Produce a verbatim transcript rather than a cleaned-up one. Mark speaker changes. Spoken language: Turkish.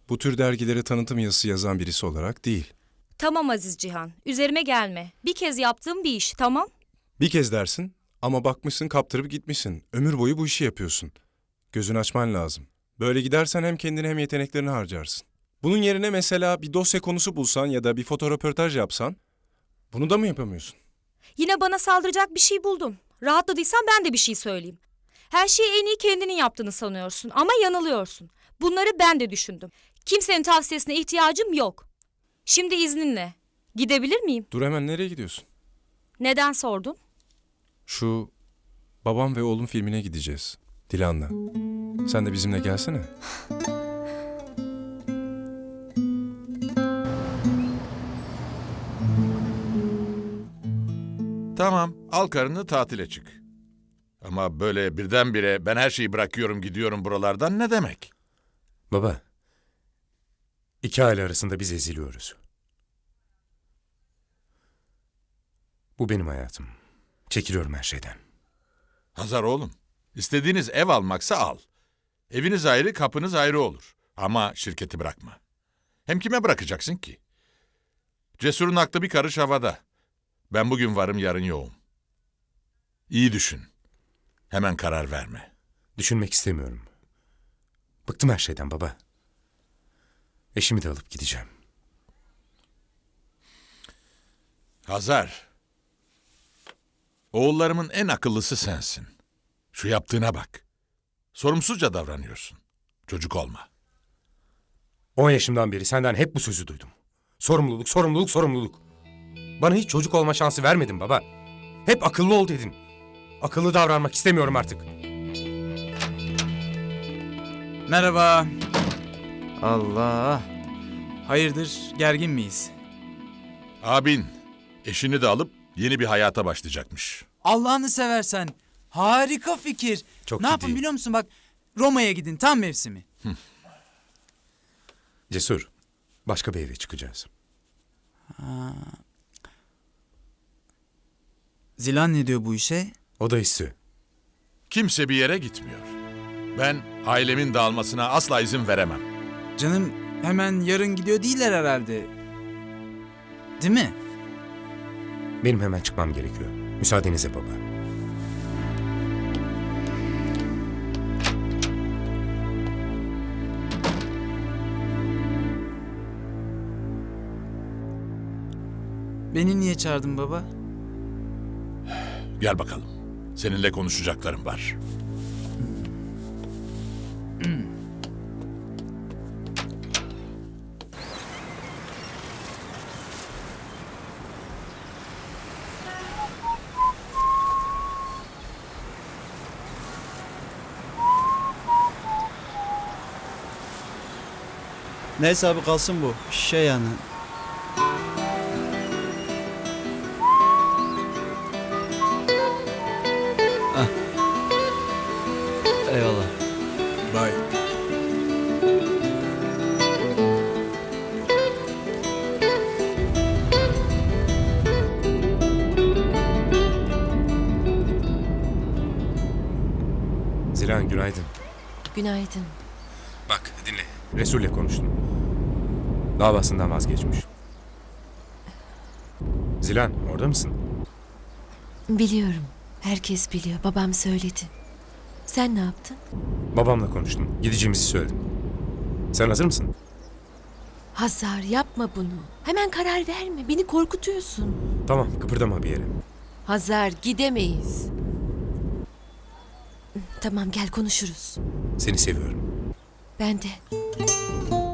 Speaker 1: Bu tür dergilere tanıtım yazısı yazan birisi olarak değil.
Speaker 2: Tamam Aziz Cihan, üzerime gelme. Bir kez yaptığım bir iş, tamam?
Speaker 1: Bir kez dersin ama bakmışsın kaptırıp gitmişsin. Ömür boyu bu işi yapıyorsun. Gözünü açman lazım. Böyle gidersen hem kendini hem yeteneklerini harcarsın. Bunun yerine mesela bir dosya konusu bulsan ya da bir fotoröportaj yapsan, bunu da mı yapamıyorsun?
Speaker 2: Yine bana saldıracak bir şey buldun. Rahatladıysan ben de bir şey söyleyeyim. Her şeyi en iyi kendinin yaptığını sanıyorsun ama yanılıyorsun. Bunları ben de düşündüm. Kimsenin tavsiyesine ihtiyacım yok. Şimdi izninle. Gidebilir miyim?
Speaker 1: Dur, hemen nereye gidiyorsun?
Speaker 2: Neden sordun?
Speaker 1: Şu Babam ve Oğlum filmine gideceğiz. Dilan'la. Sen de bizimle gelsene.
Speaker 3: Tamam, al karını tatile çık. Ama böyle birdenbire ben her şeyi bırakıyorum gidiyorum buralardan ne demek?
Speaker 4: Baba, iki aile arasında biz eziliyoruz. Bu benim hayatım. Çekiliyorum her şeyden.
Speaker 3: Hazar oğlum, istediğiniz ev almaksa al. Eviniz ayrı, kapınız ayrı olur. Ama şirketi bırakma. Hem kime bırakacaksın ki? Cesur'un aklı bir karış havada. Ben bugün varım, yarın yoğum. İyi düşün. Hemen karar verme.
Speaker 4: Düşünmek istemiyorum. Bıktım her şeyden baba. Eşimi de alıp gideceğim.
Speaker 3: Hazar. Oğullarımın en akıllısı sensin. Şu yaptığına bak. Sorumsuzca davranıyorsun. Çocuk olma.
Speaker 4: On yaşımdan beri senden hep bu sözü duydum. Sorumluluk, sorumluluk, sorumluluk. Bana hiç çocuk olma şansı vermedin baba. Hep akıllı ol dedin. Akıllı davranmak istemiyorum artık.
Speaker 5: Merhaba. Allah. Hayırdır, gergin miyiz?
Speaker 3: Abin eşini de alıp yeni bir hayata başlayacakmış.
Speaker 5: Allah'ını seversen. Harika fikir.
Speaker 4: Çok
Speaker 5: ne yapın
Speaker 4: ciddiyim.
Speaker 5: biliyor musun bak? Roma'ya gidin, tam mevsimi.
Speaker 4: Cesur, başka bir eve çıkacağız.
Speaker 5: Zilan ne diyor bu işe?
Speaker 4: O da istiyor.
Speaker 3: Kimse bir yere gitmiyor. Ben ailemin dağılmasına asla izin veremem.
Speaker 5: Canım hemen yarın gidiyor değiller herhalde. Değil mi?
Speaker 4: Benim hemen çıkmam gerekiyor. Müsaadenizle baba.
Speaker 5: Beni niye çağırdın baba?
Speaker 3: Gel bakalım. Seninle konuşacaklarım var.
Speaker 6: Neyse abi, kalsın bu. Şey yani. Hah. Eyvallah.
Speaker 1: Bye.
Speaker 4: Zilan günaydın.
Speaker 7: Günaydın.
Speaker 4: Bak dinle. Resul'le konuştum. Davasından vazgeçmiş. Zilan orada mısın?
Speaker 7: Biliyorum. Herkes biliyor. Babam söyledi. Sen ne yaptın?
Speaker 4: Babamla konuştum. Gideceğimizi söyledim. Sen hazır mısın?
Speaker 7: Hazar yapma bunu. Hemen karar verme. Beni korkutuyorsun.
Speaker 4: Tamam, kıpırdama bir yere.
Speaker 7: Hazar gidemeyiz. Tamam gel konuşuruz.
Speaker 4: Seni seviyorum.
Speaker 7: Ben de.